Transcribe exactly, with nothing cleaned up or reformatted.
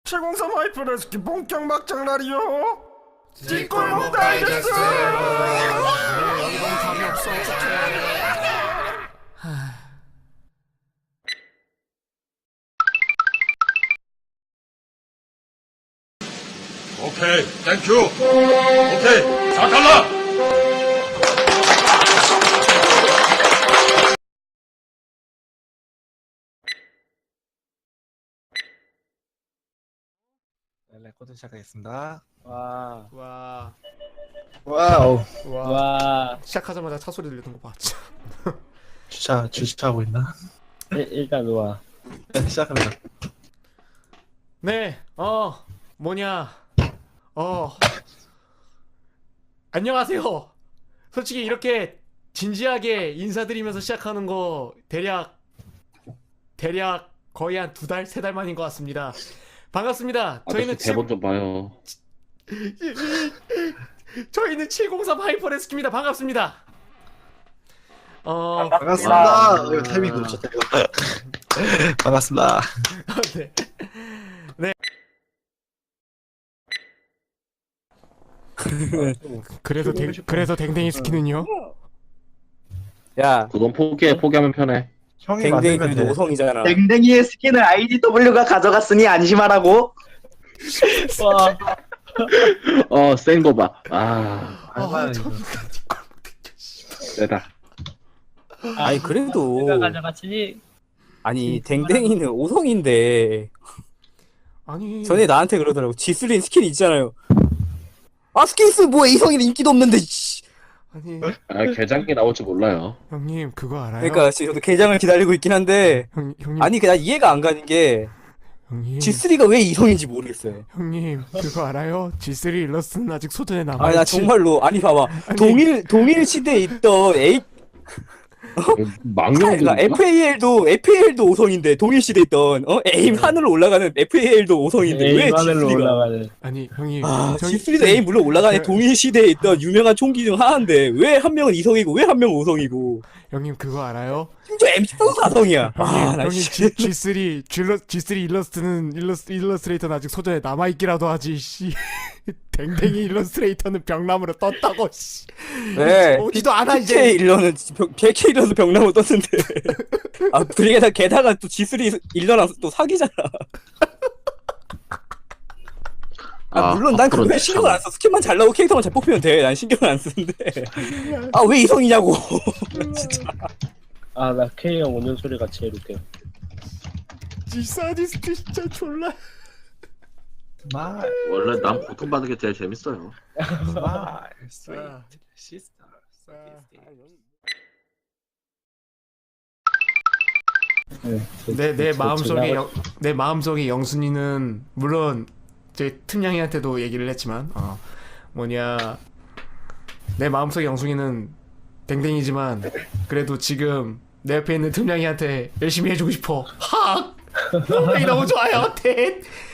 칠공삼 하이퍼 레스키 본격 막장 날이요. 뒷골목 다이제스트. 여기 너무 감이 없어. 오케이, 땡큐. 오케이, 자 갈라. 레코드 시작하겠습니다. 와, 와, 와우. 와. 와. 시작하자마자 차 소리 들리는 거 봐. 진짜. 주차 주차하고 있나? 일, 일단 와. 네, 시작합니다. 네, 어, 뭐냐, 어, 안녕하세요. 솔직히 이렇게 진지하게 인사드리면서 시작하는 거 대략 대략 거의 한 두 달, 세 달 만인 것 같습니다. 반갑습니다. 저희는 아저씨 대본 좀 봐요. 저희는 칠공삼 하이퍼레스키입니다. 반갑습니다. 어, 반갑습니다. 와. 이거 타이밍 놓쳤다 이거. 반갑습니다. 네. 네. 그래서 댕, 그래서 댕댕이 스키는요? 야, 그건 포기해. 포기하면 편해. 형이 만들면 댕댕이도 돼. 오성이잖아. 댕댕이의 스킨을 아이디더블유가 가져갔으니 안심하라고. 와. 어, 센 거 봐. 아, 얼마나 이거. 세다. 아니 그래도 누가 가져갔으니. 아니 댕댕이는 오성인데 아니, 전에 나한테 그러더라고. 지슬린 스킨 있잖아요. 아 스킨 있으면 뭐야, 이성이는 인기도 없는데. 씨. 아니, 아, 개장기 나올 줄 몰라요. 형님 그거 알아요? 그러니까 지금 저도 개장을 기다리고 있긴 한데 형, 형님, 아니 그냥 이해가 안 가는 게 형님, 지슬이가 왜 이성인지 모르겠어요. 형님 그거 알아요? 지쓰리 일러스트는 아직 소전에 남아. 아니 나 정말로 아니 봐봐, 동일 동일 시대에 있던 A 망령 그러니까 에프에이엘도 에프에이엘도 오성인데 동일 시대에 있던 어 에임 하늘로 올라가는 에프에이엘도 오성인데 왜 에임 하늘로 지슬이가 올라가는. 아니 형님, 아, 형- 지슬이도 에임 물론 올라가네. 동일 시대에 있던 유명한 총기 중 하나인데 왜 한 명은 이성이고 왜 한 명은 오성이고 형님 그거 알아요? 심지어 엠씨도 사성이야. 형님, 아, 나 형님 씨. G, G3 G러, 지쓰리 일러스트는 일러스, 일러스트레이터는 아직 소전에 남아 있기라도 하지. 씨. 댕댕이 일러스트레이터는 병나무로 떴다고. 씨. 네. 오지도 않아 피케이 이제. 일러는 백 케이 일러도 병나무 떴는데. 아, 그러게 게다가 또 지슬이 일러랑 또 사귀잖아. 아, 물론 난 앞으로 그거에 신경을 안 써. 스킨만 잘 나오고 캐릭터만 잘 뽑히면 돼. 난 신경을 안 쓰는데. 아, 왜 이성이냐고. 진짜. 아, 나 K형 오는 소리가 제일 웃겨. 지사디스트 진짜 졸라. 스마일, 원래 난 고통받는 게 제일 재밌어요. 스마일, 스윗, 아. 시스터. 내 내 저- 마음속에 제가- 영, 내 마음속에 영순이는 물론 제 틈냥이한테도 얘기를 했지만 어 뭐냐 내 마음속에 영순이는 댕댕이지만 그래도 지금 내 옆에 있는 틈냥이한테 열심히 해주고 싶어. 하. 이 너무 좋아요. 대